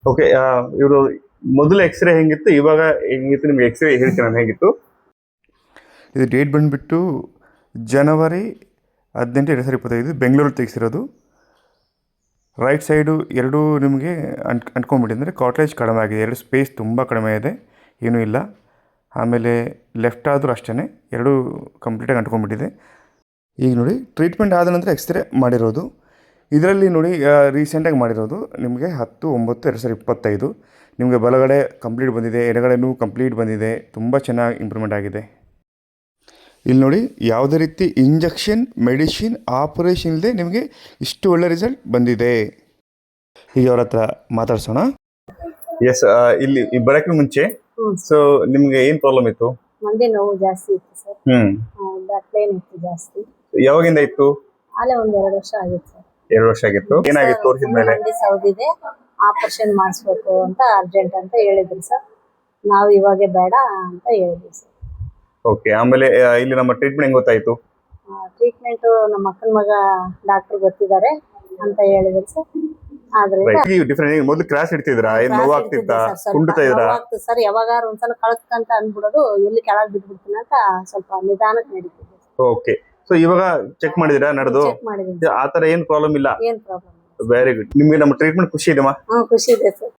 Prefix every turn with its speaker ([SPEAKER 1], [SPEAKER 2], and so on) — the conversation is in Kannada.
[SPEAKER 1] ಓಕೆ. ಇವರು ಮೊದಲು ಎಕ್ಸ್ರೇ ಹೆಂಗಿತ್ತು, ಇವಾಗ ಹೆಂಗಿತ್ತು? ನಿಮ್ಗೆ ಎಕ್ಸ್ರೇ ಹೇಳ್ತೀನಿ ನಾನು ಹೇಗಿತ್ತು.
[SPEAKER 2] ಇದು ಡೇಟ್ ಬಂದುಬಿಟ್ಟು ಜನವರಿ 18, 2025 ಬೆಂಗಳೂರು ತೆಗೆಸಿರೋದು. ರೈಟ್ ಸೈಡು ಎರಡೂ ನಿಮಗೆ ಅಂಟ್ಕೊಂಡ್ಬಿಟ್ಟಿದೆ, ಅಂದರೆ ಕಾಟ್ಲೇಜ್ ಕಡಿಮೆ ಆಗಿದೆ, ಎರಡು ಸ್ಪೇಸ್ ತುಂಬ ಕಡಿಮೆ ಇದೆ, ಏನೂ ಇಲ್ಲ. ಆಮೇಲೆ ಲೆಫ್ಟ್ ಆದರೂ ಅಷ್ಟೇ, ಎರಡೂ ಕಂಪ್ಲೀಟಾಗಿ ಅಂಟ್ಕೊಂಡ್ಬಿಟ್ಟಿದೆ. ಈಗ ನೋಡಿ ಟ್ರೀಟ್ಮೆಂಟ್ ಆದ ನಂತರ ಎಕ್ಸ್ರೇ ಮಾಡಿರೋದು. ಇದರಲ್ಲಿ ನೋಡಿ ರೀಸೆಂಟಾಗಿ ಮಾಡಿರೋದು ನಿಮಗೆ 10/9/2025. ನಿಮಗೆ ಬಲಗಡೆ ಕಂಪ್ಲೀಟ್ ಬಂದಿದೆ, ಎಡಗಡೆನೂ ಕಂಪ್ಲೀಟ್ ಬಂದಿದೆ, ತುಂಬ ಚೆನ್ನಾಗಿ ಇಂಪ್ರೂವ್ಮೆಂಟ್ ಆಗಿದೆ. ಇಲ್ಲಿ ನೋಡಿ ಯಾವುದೇ ರೀತಿ ಇಂಜೆಕ್ಷನ್, ಮೆಡಿಸಿನ್, ಆಪರೇಷನ್ ಇಲ್ಲದೆ ನಿಮಗೆ ಇಷ್ಟು ಒಳ್ಳೆ ರಿಸಲ್ಟ್ ಬಂದಿದೆ. ಈಗ ಅವ್ರ ಹತ್ರ ಮಾತಾಡ್ಸೋಣ.
[SPEAKER 1] ಎಸ್, ಇಲ್ಲಿ ಬರೋಕ್ಕೆ ಮುಂಚೆ ಸೊ ನಿಮ್ಗೆ ಏನ್ ಪ್ರಾಬ್ಲಮ್ ಇತ್ತು?
[SPEAKER 3] ಮಂಡಿ ನೋವು ಜಾಸ್ತಿ ಇತ್ತು ಸರ್. ಬ್ಯಾಕ್ ಪೇನ್ ಇತ್ತು ಜಾಸ್ತಿ.
[SPEAKER 1] ಯಾವಾಗಿಂದ ಇತ್ತು?
[SPEAKER 3] ಅಲ್ಲೇ ಒಂದ್ 2 ವರ್ಷ ಆಗಿತ್ತು ಸರ್.
[SPEAKER 1] 2 ವರ್ಷ ಆಗಿತ್ತು. ಏನಾಗಿತ್ತು ತೋರಿಸಿದ ಮೇಲೆ?
[SPEAKER 3] ಮಂಡಿ ಸೌದಿದೆ, ಆಪರೇಷನ್ ಮಾಡಿಸ್ಬೇಕು ಅಂತ ಅರ್ಜೆಂಟ್ ಅಂತ ಹೇಳಿದ್ರು ಸರ್. ನಾವು ಇವಾಗೆ ಬೇಡ ಅಂತ ಹೇಳಿದ್ವಿ ಸರ್.
[SPEAKER 1] ಓಕೆ. ಆಮೇಲೆ ಇಲ್ಲಿ ನಮ್ಮ ಟ್ರೀಟ್ಮೆಂಟ್ ಹೆಂಗ್ ಗೊತ್ತಾಯ್ತು?
[SPEAKER 3] ಟ್ರೀಟ್ಮೆಂಟ್ ನಮ್ಮ ಅಕ್ಕನ ಮಗ ಡಾಕ್ಟರ್ ಗೊತ್ತಿದ್ದಾರೆ ಅಂತ ಹೇಳಿದ್ರು ಸರ್. ಆದ್ರೆ
[SPEAKER 1] ಡಿಫರೆಂಟ್. ಮೊದಲು ಕ್ರಾಸ್ ಇಡ್ತಿದ್ರಾ? ಏನ್ ನೋವಾಗ್ತಿತ್ತಾ? ಕುಂಡ್ತಾ ಇದ್ರಾ?
[SPEAKER 3] ಸರ್ ಯಾವಾಗಾರು ಒಂದ್ಸಲ ಕಳಕ್ಕಂತ ಅಂದ್ಬಿಡೋದು, ಎಲ್ಲಿ ಕೆಳಗ್ ಬಿದ್ಬಿಡ್ತೀನಿ ಅಂತ ಸ್ವಲ್ಪ ನಿಧಾನಕ್ಕೆ ನಡೀತಿದೆ.
[SPEAKER 1] ಓಕೆ. ಸೊ ಇವಾಗ ಚೆಕ್ ಮಾಡಿದಿರಾ ನಡೆದು?
[SPEAKER 3] ಚೆಕ್ ಮಾಡಿದೀನಿ.
[SPEAKER 1] ಆತರ ಏನ್ ಪ್ರಾಬ್ಲಮ್ ಇಲ್ಲ?
[SPEAKER 3] ಏನ್ ಪ್ರಾಬ್ಲಮ್?
[SPEAKER 1] Very good. ನಿಮ್ಗೆ ನಮ್ಮ ಟ್ರೀಟ್ಮೆಂಟ್ ಖುಷಿ ಇದೆಮಾ?
[SPEAKER 3] ಖುಷಿ ಇದೆ ಸರ್.